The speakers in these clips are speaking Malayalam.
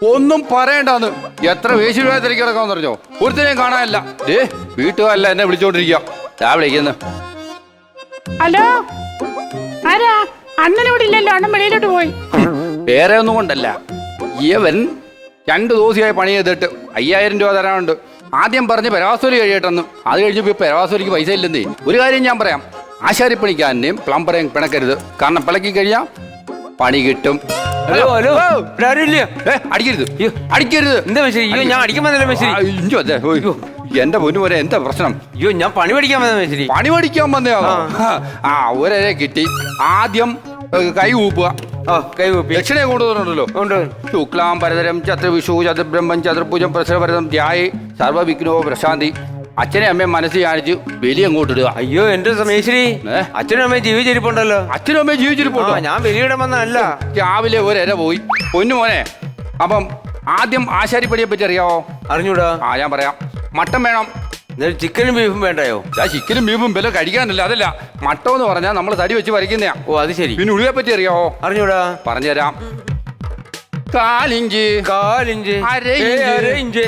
ഒന്നും പറയണ്ടാന്ന്. എത്ര വേശി തിരക്കി കിടക്കാന്ന് പറഞ്ഞോ, ഒരുത്തനെയും കാണാനില്ല. വീട്ടുകാരല്ല എന്നെ വിളിച്ചോണ്ടിരിക്കുക. വിളിക്കുന്നു. ഹലോ, ആരാ? അണ്ണൻ ഇവിടെ ഇല്ലല്ലോ, അണ്ണൻ വെളിയിലോട്ട് പോയി. വേറെ ഒന്നും കൊണ്ടല്ല, ഇവൻ 2 ദിവസമായി പണി ചെയ്തിട്ട് 5000 രൂപ തരാനുണ്ട്. ആദ്യം പറഞ്ഞ് പെരവാസൂലി കഴിയട്ടെന്ന്. അത് കഴിഞ്ഞപ്പോൾ പെരവാസൂലിക്ക് പൈസ ഇല്ലെന്നേ. ഒരു കാര്യം ഞാൻ പറയാം, ആശാരിപ്പണിക്കാരനെയും പ്ലംബറേയും പിണക്കരുത്. കാരണം പിളക്കി കഴിയാം പണി കിട്ടും. ഹലോ ഹലോ, അടിക്കരുത് അടിക്കരുത്. എന്താ മെസ്സി? അയ്യോ, ഞാൻ അടിക്കാൻ വന്നല്ലോ മെസ്സി. എന്റെ പൊന്നു പോലെ എന്താ പ്രശ്നം? അയ്യോ, ഞാൻ പണി പഠിക്കാൻ വന്ന മെസ്സി. പണി പഠിക്കാൻ വന്നയാണോ? ഒരേ കിട്ടി. ആദ്യം കൈ കൂപ്പുക. കൈ കൂപ്പി ദക്ഷിണയെ കൊണ്ടുവന്നിട്ടുണ്ടല്ലോ. ശുക്ലാം പരതരം ചതുർവിഷു ചതുർബ്രഹ്മം ചതുർഭുജം പ്രസരഭരതം ധ്യായേ സർവവിഘ്നോ പ്രശാന്തി. അച്ഛനെ അമ്മയും മനസ്സ് കാണിച്ച് ബലി അങ്ങോട്ട് ഇടുക. അയ്യോ എന്റെ മേശ്ശേരി, അച്ഛനും അമ്മയും ജീവിച്ചിരിപ്പുണ്ടല്ലോ. അച്ഛനും അമ്മയും ജീവിച്ചിരിപ്പുണ്ടോ? ഞാൻ ബലിയിടാൻ വന്നതല്ല. രാവിലെ ഒരര പോയി. പൊന്നു മോനെ, അപ്പം ആദ്യം ആശാരിപ്പടിയെ പറ്റി അറിയാവോ? അറിഞ്ഞൂടാ. ഞാൻ പറയാം. മട്ടൻ വേണം. ചിക്കനും ബീഫും വേണ്ടായോ? ചിക്കനും ബീഫും വില കഴിക്കാനല്ല. അതല്ല, മട്ടം എന്ന് പറഞ്ഞാൽ നമ്മൾ തടി വെച്ച് വരയ്ക്കുന്നയാ. ഓ അത് ശരി. പിന്നെ ഉള്ളിയെ പറ്റി അറിയാവോ? അറിഞ്ഞൂടാ. പറഞ്ഞുതരാം. 4 ഇഞ്ച് 4 ഇഞ്ച് ഇഞ്ച്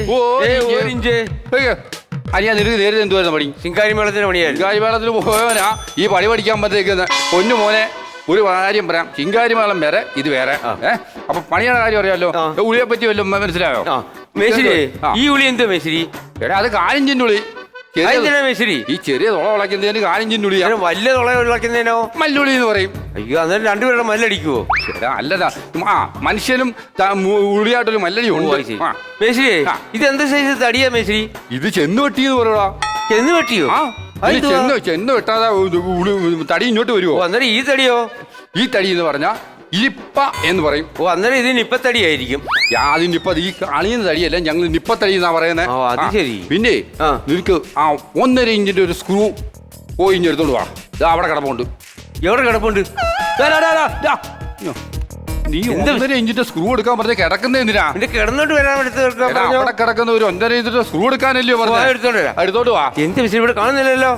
അരിയാ. നിനക്ക് നേരിട്ട് എന്തുവായിരുന്നു പണി? ശിങ്കാരി മേളത്തിന് പണിയായിരുന്നു. ശിങ്കാരി മേളത്തിന് പോയവനാ ഈ പണി പഠിക്കാൻ പറ്റേക്കുന്നത്. പൊന്നു മോനെ, ഒരു കാര്യം പറയാം. ചിങ്കാരി മേളം വേറെ, ഇത് വേറെ. അപ്പൊ പണിയുടെ കാര്യം അറിയാലോ. ഉളിയെ പറ്റി വല്ലതും മനസ്സിലായോ? മേശ്ശേരി, ഈ ഉളി എന്താ മേശ്ശേരി? എടാ, അത് 4 ഇഞ്ചിന്റെ ഉളി. മേശ്ശേരി, ഈ ചെറിയ തുള വിളക്കുന്നതിന് 4 ഇഞ്ചിന്റെ ഉളി. വലിയ തുള വിളക്കുന്നതിനോ? മല്ലുളി എന്ന് പറയും. അയ്യോ, അന്നേരം രണ്ടുപേരുടെ മല്ലടിക്കുവോ? അല്ലതാ, മനുഷ്യനും ഉളിയായിട്ടൊരു മല്ലടി ഉണ്ട്. മേശ്ശേരി, ഇത് എന്ത് സൈസ് തടിയാ മേശ്ശേരി? ഇത് ചെന്ന് വെട്ടി എന്ന് പറയടാ. ചെന്ന് വെട്ടിയോ? ചെന്ന് വെട്ടാതെ തടി ഇങ്ങോട്ട് വരുമോ? അന്നേരം ഈ തടിയോ? ഈ തടി എന്ന് പറഞ്ഞാ ഇരിപ്പ എന്ന് പറയും. ഓ, അന്നേരം ഇത് നിപ്പത്തടിയായിരിക്കും. അതിന് ഇപ്പൊ ഈ അണിയുന്ന തടിയല്ല, ഞങ്ങൾ നിപ്പത്തടി എന്നാ പറയുന്നത്. അത് ശരി. പിന്നെ നിനക്ക് 1.5 ഇഞ്ചിന്റെ ഒരു സ്ക്രൂ പോയി എടുത്തോണ്ട് വാ. അവിടെ കിടപ്പുണ്ട്. എവിടെ കിടപ്പുണ്ട്? നീ 1.5 ഇഞ്ചിന്റെ സ്ക്രൂ എടുക്കാൻ പറഞ്ഞ കിടക്കുന്ന എന്തിനാ? കിടന്നോട്ട് വരാൻ അവിടെ കിടക്കുന്ന ഒരു 1.5 ഇഞ്ചിന്റെ സ്ക്രൂ എടുക്കാനല്ലോ പറഞ്ഞത്. എടുത്തോണ്ട് വാ. എന്ത് വിഷയം ഇവിടെ കാണുന്നില്ലല്ലോ.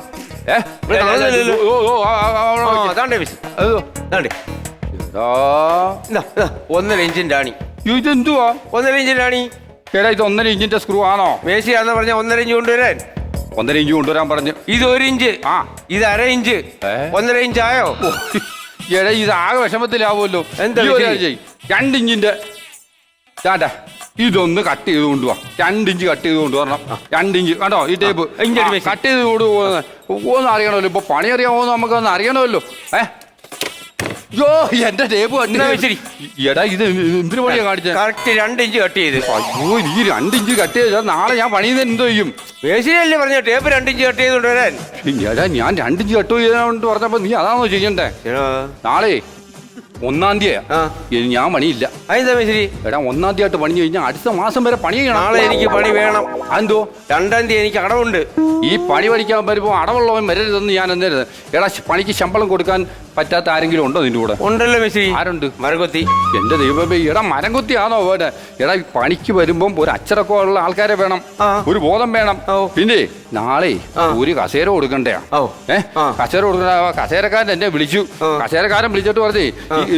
ഒന്നര ഇഞ്ചിന്റെ ആണി. ഇതെന്തുവാ? 1.5 ഇഞ്ചിന്റെ ആണി. എടാ, ഇത് 1.5 ഇഞ്ചിന്റെ സ്ക്രൂ ആണോ? മേശയാന്ന് പറഞ്ഞ 1.5 ഇഞ്ച് കൊണ്ടുവരാൻ. 1.5 ഇഞ്ച് കൊണ്ടുവരാൻ പറഞ്ഞു. ഇത് 1 ഇഞ്ച്. ഇത് 1/2 ഇഞ്ച്. 1.5 ഇഞ്ച് ആയോ? എടാ, ഇത് ആകെ വിഷമത്തിലാവുമല്ലോ. എന്താ 2 ഇഞ്ചിന്റെ ചാട്ടാ, ഇതൊന്ന് കട്ട് ചെയ്ത് കൊണ്ടുപോവാ. 2 ഇഞ്ച് കട്ട് ചെയ്ത് കൊണ്ടുവരണം. 2 ഇഞ്ച് കണ്ടോ? ഈ ടേപ്പ് കട്ട് ചെയ്ത് കൊണ്ടുപോകുന്നത് ഒന്ന് അറിയണമല്ലോ. ഇപ്പൊ പണി അറിയാമോന്ന് നമുക്കൊന്ന് അറിയണമല്ലോ. യോ, എന്റെ ടേപ്പ് എടാ, ഇത് എന്തിനു പണിയാ കാണിച്ചത്? കറക്റ്റ് 2 ഇഞ്ച് കട്ട് ചെയ്ത്. അയ്യോ, ഈ 2 ഇഞ്ച് കട്ട് ചെയ്താൽ നാളെ ഞാൻ പണിയുന്നത് എന്തോ ചെയ്യും? മേശരിയല്ലേ പറഞ്ഞ ടേപ്പ് 2 ഇഞ്ച് കട്ട് ചെയ്ത് കൊണ്ടുവരാൻ. എടാ, ഞാൻ 2 ഇഞ്ച് കട്ട് ചെയ്തോണ്ട് പറഞ്ഞപ്പോ നീ അതാണോ ചെയ്യണ്ടേ? നാളെ 1-ാം തീയതി ഞാൻ പണിയില്ല. അതെന്താ മേശരി? എടാ, 1-ാം തീയതി പണി കഴിഞ്ഞാൽ അടുത്ത മാസം വരെ പണി ചെയ്യണം. നാളെ എനിക്ക് പണി വേണം. അതെന്തോ? 2-ാം തീയതി എനിക്ക് അടവുണ്ട്. ഈ പണി പഠിക്കാൻ വരുമ്പോൾ അടവുള്ളവൻ വരരുതെന്ന് ഞാൻ എന്നരുത്. എടാ, പണിക്ക് ശമ്പളം കൊടുക്കാൻ പറ്റാത്ത ആരെങ്കിലും ഉണ്ടോ നിന്റെ കൂടെ? ഉണ്ടല്ലോ മേശരി. ആരുണ്ട്? മരംകൊത്തി. എന്റെ ദൈവമേ, എടാ മരംകൊത്തിയാണോ വേണ്ടത്? എടാ, പണിക്ക് വരുമ്പം ഒരു അച്ചടക്കം ഉള്ള ആൾക്കാരെ വേണം, ഒരു ബോധം വേണം. പിന്നെ നാളെ ഒരു കസേര കൊടുക്കണ്ടേ? കസേര കൊടുക്കണ്ട. കസേരക്കാരൻ എന്നെ വിളിച്ചു. കസേരക്കാരൻ വിളിച്ചിട്ട് പറഞ്ഞേ,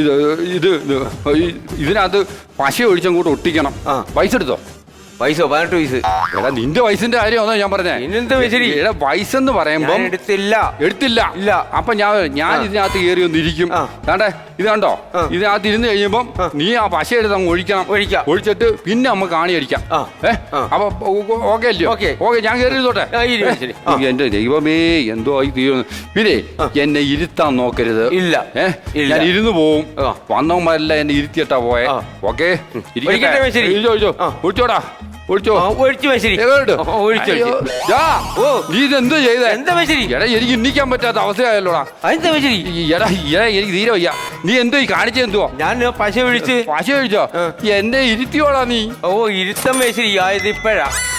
ഇതിനകത്ത് പശ ഒഴിച്ചങ്ങോട്ട് ഒട്ടിക്കണം. പൈസ എടുത്തോ? പൈസ 18 വയസ്സ്. എടാ, നിന്റെ വയസ്സിന്റെ കാര്യമാണോ ഞാൻ പറഞ്ഞേ? എടാ, വയസ്സെന്ന് പറയുമ്പോ എടുത്തില്ല. അപ്പൊ ഞാൻ ഇതിനകത്ത് കയറി ഒന്നിരിക്കും. കണ്ടേ, ഇത് കണ്ടോ? ഇതിനകത്ത് ഇരുന്ന് കഴിയുമ്പം നീ ആ പശ എടുത്ത് അങ്ങ് ഒഴിച്ചിട്ട് പിന്നെ നമുക്ക് കാണി അടിക്കാം. അപ്പൊ ഓക്കെ അല്ലയോ? ഓക്കെ, ഞാൻ കയറി ഇരുന്നോട്ടെ. എന്റെ ദൈവമേ, എന്തോ ആയി തീരുന്നു. പിന്നെ എന്നെ ഇരുത്താൻ നോക്കരുത്. ഞാൻ ഇരുന്ന് പോവും. വന്നവന്മാരെല്ലാം എന്നെ ഇരുത്തിയിട്ടാ പോയെ. ഓക്കെ, ഒഴിച്ചോടാ. നീ ഇതെന്തോ ചെയ്ത? എടാ, എനിക്ക് ഇന്നിക്കാൻ പറ്റാത്ത അവസ്ഥയായല്ലോടാ. എടാ, എനിക്ക് തീരെ വയ്യ. നീ എന്തോ കാണിച്ചെന്തുവാ? ഞാൻ പശ ഒഴിച്ചോ? എന്നെ ഇരുത്തിയോടാ നീ. ഓ, ഇരുത്തം മേശരി ആയത് ഇപ്പഴാ.